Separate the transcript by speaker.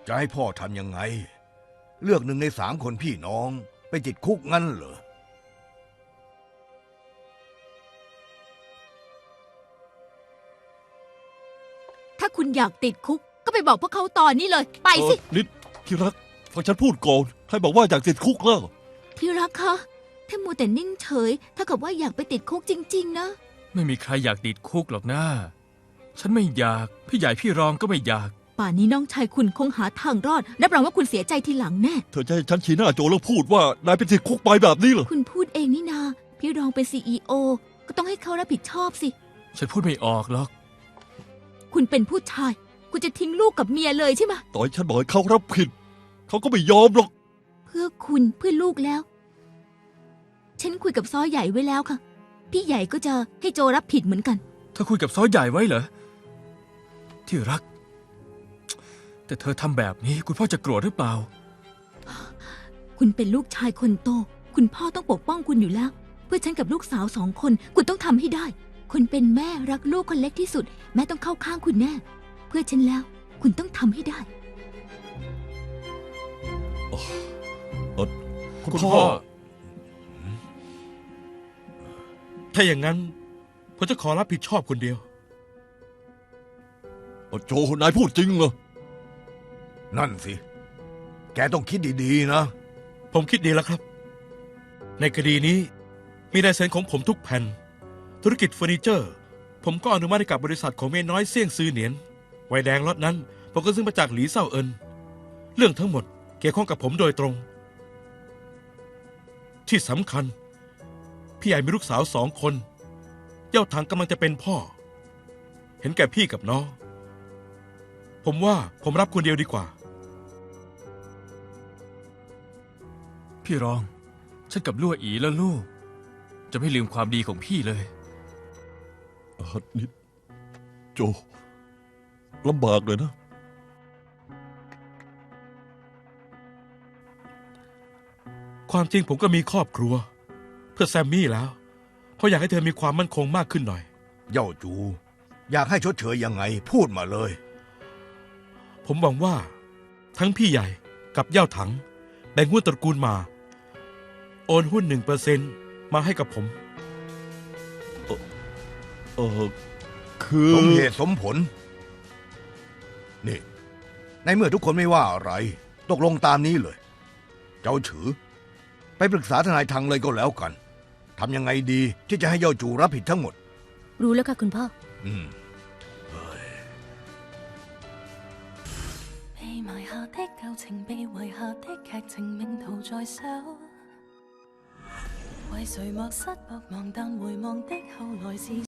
Speaker 1: จะให้พ่อทำยังไงเลือก1 ใน 3คนพี่น้องไปติดคุกงั้นเหรอ
Speaker 2: ถ้าคุณอยากติดคุกก็ไปบอกพวกเขาตอนนี้เลยไปสิ
Speaker 3: นิดที่รักฟังฉันพูดก่อนใครบอกว่าอยากติดคุกแล้ว
Speaker 2: ที่รักคะถ้ามัวแต่นิ่งเฉยถ้ากับว่าอยากไปติดคุกจริงๆนะ
Speaker 4: ไม่มีใครอยากติดคุกหรอกนะฉันไม่อยากพี่ใหญ่พี่รองก็ไม่อยาก
Speaker 2: ป่านนี้น้องชายคุณคงหาทางรอดรับรองว่าคุณเสียใจทีหลังแน่
Speaker 3: เธอจะให้ฉันชี้หน้าโจแล้วพูดว่านายเป็นติดคุกไปแบบนี้เหรอ
Speaker 2: คุณพูดเองนี่นาพี่รองเป็น CEO ก็ต้องให้เขารับผิดชอบสิ
Speaker 4: ฉันพูดไม่ออกหรอก
Speaker 2: คุณเป็นผู้ชายคุณจะทิ้งลูกกับเมียเลยใช่ไหม
Speaker 3: ต่อยฉันบอกให้เขารับผิดเขาก็ไม่ยอมหรอก
Speaker 2: เพื่อคุณเพื่อลูกแล้วฉันคุยกับซ้อใหญ่ไว้แล้วค่ะพี่ใหญ่ก็จะให้โจรับผิดเหมือนกัน
Speaker 4: เธอคุยกับซ้อใหญ่ไว้เหรอที่รักแต่เธอทำแบบนี้คุณพ่อจะโกรธหรือเปล่า
Speaker 2: คุณเป็นลูกชายคนโตคุณพ่อต้องปกป้องคุณอยู่แล้วเพื่อฉันกับลูกสาว2 คนคุณต้องทำให้ได้คุณเป็นแม่รักลูกคนเล็กที่สุดแม่ต้องเข้าข้างคุณแน่เพื่อฉันแล้วคุณต้องทำให้ได้
Speaker 3: คุณพ่อ
Speaker 5: ถ้าอย่างนั้นผมจะขอรับผิดชอบคนเดียว
Speaker 3: โจนายพูดจริงเหรอ
Speaker 1: นั่นสิแกต้องคิดดีๆนะ
Speaker 5: ผมคิดดีแล้วครับในคดีนี้มีลายเซ็นของผมทุกแผ่นธุรกิจเฟอร์นิเจอร์ผมก็อนุมัติให้กับบริษัทของเมียน้อยเสี่ยงซื้อเหนียนไวน์แดงล็อตนั้นผมก็ซื้อมาจากหลีเซ่าเอินเรื่องทั้งหมดเกี่ยวข้องกับผมโดยตรงที่สำคัญพี่ใหญ่มีลูกสาว2 คนเย่าถังกำลังจะเป็นพ่อเห็นแก่พี่กับน้องผมว่าผมรับคนเดียวดีกว่า
Speaker 4: พี่รองฉันกับลั่วอีและลูกจะไม่ลืมความดีของพี่เลย
Speaker 3: นิดโจลำบากเลยนะ
Speaker 5: ความจริงผมก็มีครอบครัวเพื่อแซมมี่แล้วเพราะอยากให้เธอมีความมั่นคงมากขึ้นหน่อย
Speaker 1: เย่าจูอยากให้ชดเชยยังไงพูดมาเลย
Speaker 5: ผมหวังว่าทั้งพี่ใหญ่กับเย่าถังแบ่งหุ้นตระกูลมาโอนหุ้น1%มาให้กับผม
Speaker 3: คือ
Speaker 1: สมเหตุสมผลนี่ในเมื่อทุกคนไม่ว่าอะไรตกลงตามนี้เลยเจ้าฉือไปปรึกษาทนายทังเลยก็แล้วกันทำยังไงดีที่จะให้เย่าจูรับผิดทั้งหมด
Speaker 2: รู้แล้วค่ะคุณพ่อ被埋下的舊情被遺下的劇情命途在手為誰默失薄望但回望的後來是